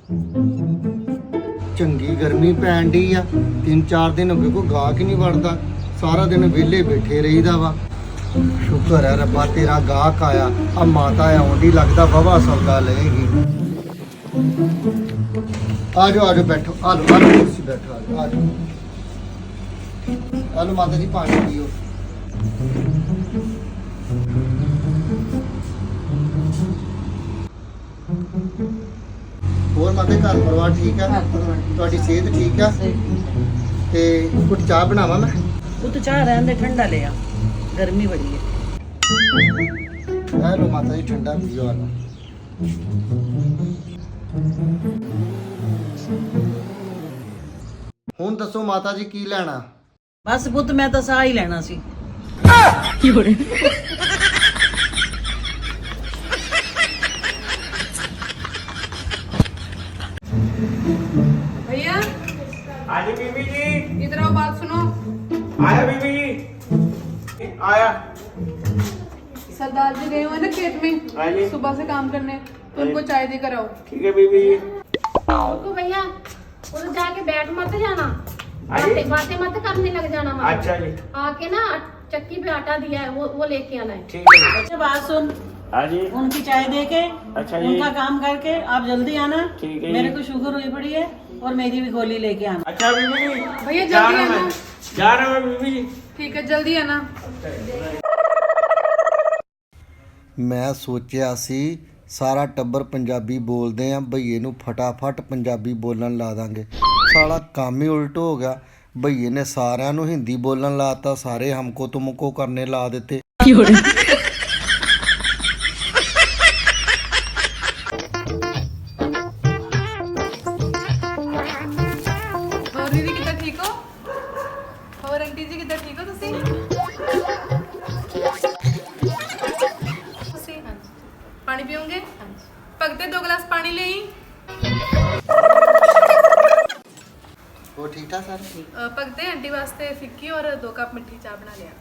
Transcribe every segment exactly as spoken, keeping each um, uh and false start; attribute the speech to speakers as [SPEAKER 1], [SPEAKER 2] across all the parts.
[SPEAKER 1] ਚੰਗੀ ਗਰਮੀ ਪੈਣ ਡਈ ਆ। ਤਿੰਨ ਚਾਰ ਦਿਨ ਹੋ ਗਏ ਕੋਈ ਗਾਹਕ ਹੀ ਨਹੀਂ ਵੜਦਾ। ਸਾਰਾ ਦਿਨ ਵਿਹਲੇ ਬੈਠੇ ਰਹੀਦਾ ਵਾ। ਸ਼ੁਕਰ ਹੈ ਰੱਬਾ ਤੇਰਾ ਗਾਹਕ ਆਇਆ। ਆ ਮਾਤਾ ਆਉਂਦੀ ਲੱਗਦਾ ਵਾਹਵਾ ਸੌਦਾ ਲਏਗੀ। ਆ ਜਾਓ ਆ ਜਾਓ ਬੈਠੋ। ਆ ਲਓ ਆ ਲਓ ਕੁਰਸੀ ਬੈਠੋ। ਆ ਜਾਓ ਆ ਜਾਓ। ਆ ਲਓ ਮਾਤਾ ਜੀ ਪਾਣੀ ਪੀਓ। ਹੋਰ ਮਾਤਾ ਘਰ ਪਰਿਵਾਰ ਠੀਕ ਆ? ਤੁਹਾਡੀ ਸਿਹਤ ਠੀਕ ਆ? ਤੇ ਕੁਝ ਚਾਹ ਬਣਾਵਾਂ ਮੈਂ?
[SPEAKER 2] ਉਹ ਤਾਂ ਚਾਹ ਰਹਿਣ ਦੇ, ਠੰਡਾ ਲਿਆ, ਗਰਮੀ ਬੜੀ ਹੈ।
[SPEAKER 1] ਆ ਲਓ ਮਾਤਾ ਜੀ ਠੰਡਾ ਪੀਓ। ਆ ਲਓ। ਹੁਣ ਦੱਸੋ ਮਾਤਾ ਜੀ ਕੀ ਲੈਣਾ?
[SPEAKER 2] ਬਸ ਪੁੱਤ ਮੈਂ ਤਾਂ ਸਾਹ ਹੀ ਲੈਣਾ ਸੀ।
[SPEAKER 3] भैया
[SPEAKER 4] हाँ जी बीबी जी।
[SPEAKER 3] इधर आओ, बात सुनो।
[SPEAKER 4] आया बीबी जी, आया।
[SPEAKER 3] सरदार जी गए हुए हैं ना खेत में,
[SPEAKER 4] हाँ जी।
[SPEAKER 3] सुबह से काम करने, तो
[SPEAKER 4] हाँ
[SPEAKER 3] उनको
[SPEAKER 4] जी।
[SPEAKER 3] चाय देकर आओ।
[SPEAKER 4] ठीक है बीबी जी।
[SPEAKER 5] रुको भैया, उधर जाके बैठ मत जाना,
[SPEAKER 4] हाँ जी।
[SPEAKER 5] बातें बातें मत करने लग जाना मत।
[SPEAKER 4] अच्छा जी।
[SPEAKER 5] आके ना चक्की पे आटा दिया है, वो वो लेके आना है।
[SPEAKER 4] ठीक है जी।
[SPEAKER 2] अच्छा बात सुन,
[SPEAKER 4] हाँ जी।
[SPEAKER 2] उनकी चाय दे के
[SPEAKER 4] अच्छा जी।
[SPEAKER 2] उनका काम करके आप जल्दी आना।
[SPEAKER 4] ठीक है
[SPEAKER 2] मेरे
[SPEAKER 4] जी।
[SPEAKER 2] को शुगर हुई पड़ी है और मेरी भी गोली लेके आना।
[SPEAKER 4] अच्छा बीबी जी।
[SPEAKER 3] भैया
[SPEAKER 4] जा
[SPEAKER 3] जल्दी
[SPEAKER 4] रहा हूँ
[SPEAKER 3] आना।
[SPEAKER 4] मैं, जा रहा हूँ बीबी जी।
[SPEAKER 3] ठीक है, जल्दी आना।
[SPEAKER 1] ਮੈਂ ਸੋਚਿਆ ਸੀ ਸਾਰਾ ਟੱਬਰ ਪੰਜਾਬੀ ਬੋਲਦੇ ਆ, ਭਈਏ ਨੂੰ ਫਟਾਫਟ ਪੰਜਾਬੀ ਬੋਲਣ ਲਾ ਦਾਂਗੇ। ਸਾਲਾ ਕੰਮ ਹੀ ਉਲਟ ਹੋ ਗਿਆ। ਭਈਏ ਨੇ ਸਾਰਿਆਂ ਨੂੰ ਹਿੰਦੀ ਬੋਲਣ ਲਾਤਾ, ਸਾਰੇ ਹਮਕੋ ਤੁਮਕੋ ਕਰਨੇ ਲਾ ਦਿੱਤੇ।
[SPEAKER 3] ਹੋਰ ਦੀਦੀ ਕਿੱਦਾਂ ਠੀਕ ਹੋ? ਹੋਰ ਆਂਟੀ ਜੀ ਕਿੱਦਾਂ ਠੀਕ ਹੋ ਤੁਸੀਂ? ਤੁਸੀਂ ਹਾਂਜੀ। ਪਾਣੀ ਪੀਓਗੇ? ਹਾਂਜੀ। ਭਗਤੇ ਦੋ ਗਲਾਸ ਪਾਣੀ ਲੈ ਆਈ।
[SPEAKER 1] ਉਹ ਠੀਕ ਠਾਕ ਸਰ?
[SPEAKER 3] ਅ, ਭਗਤੇ ਆਂਟੀ ਵਾਸਤੇ ਫਿੱਕੀ ਔਰ ਦੋ ਕੱਪ ਮਿੱਠੀ ਚਾਹ ਬਣਾ ਲਿਆ।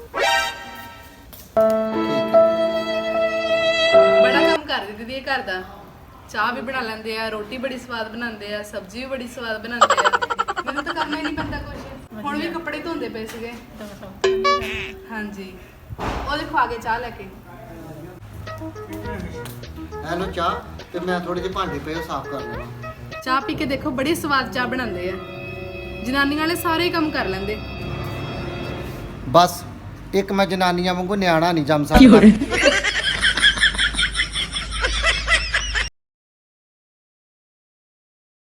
[SPEAKER 3] ਬੜਾ ਕੰਮ ਕਰਦੇ ਦੀਦੀ ਇਹ ਘਰ ਦਾ। ਚਾਹ ਵੀ ਬਣਾ ਲੈਂਦੇ ਆ, ਰੋਟੀ ਬੜੀ ਸਵਾਦ ਬਣਾਉਂਦੇ ਆ, ਸਬਜ਼ੀ ਵੀ ਬੜੀ ਸਵਾਦ ਬਣਾਉਂਦੇ ਆ। ਮੈਨੂੰ ਤਾਂ ਕਰਨਾ ਹੀ ਨਹੀਂ ਪੈਂਦਾ ਕੁਝ। ਹੁਣ ਵੀ ਕੱਪੜੇ ਧੋਂਦੇ ਪਏ ਸੀਗੇ। ਹਾਂਜੀ, ਉਹ ਦੇਖੋ ਆ ਗਏ ਚਾਹ ਲੈ ਕੇ।
[SPEAKER 1] ਹੈਲੋ ਚਾਹ, ਤੇ ਮੈਂ ਥੋੜੇ ਜਿਹੇ ਭਾਂਡੇ ਪਏ ਸਾਫ਼ ਕਰ ਲੈਣਾ।
[SPEAKER 3] ਚਾਹ ਪੀ ਕੇ ਦੇਖੋ, ਬੜੀ ਸਵਾਦ ਚਾਹ ਬਣਾਉਂਦੇ ਆ। ਜਨਾਨੀਆਂ ਵਾਲੇ ਸਾਰੇ ਹੀ ਕੰਮ ਕਰ ਲੈਂਦੇ।
[SPEAKER 1] ਬਸ ਇੱਕ ਮੈਂ ਜਨਾਨੀਆਂ ਵਾਂਗੂ ਨਿਆਣਾ ਨਹੀਂ ਜੰਮ ਸਕਦਾ।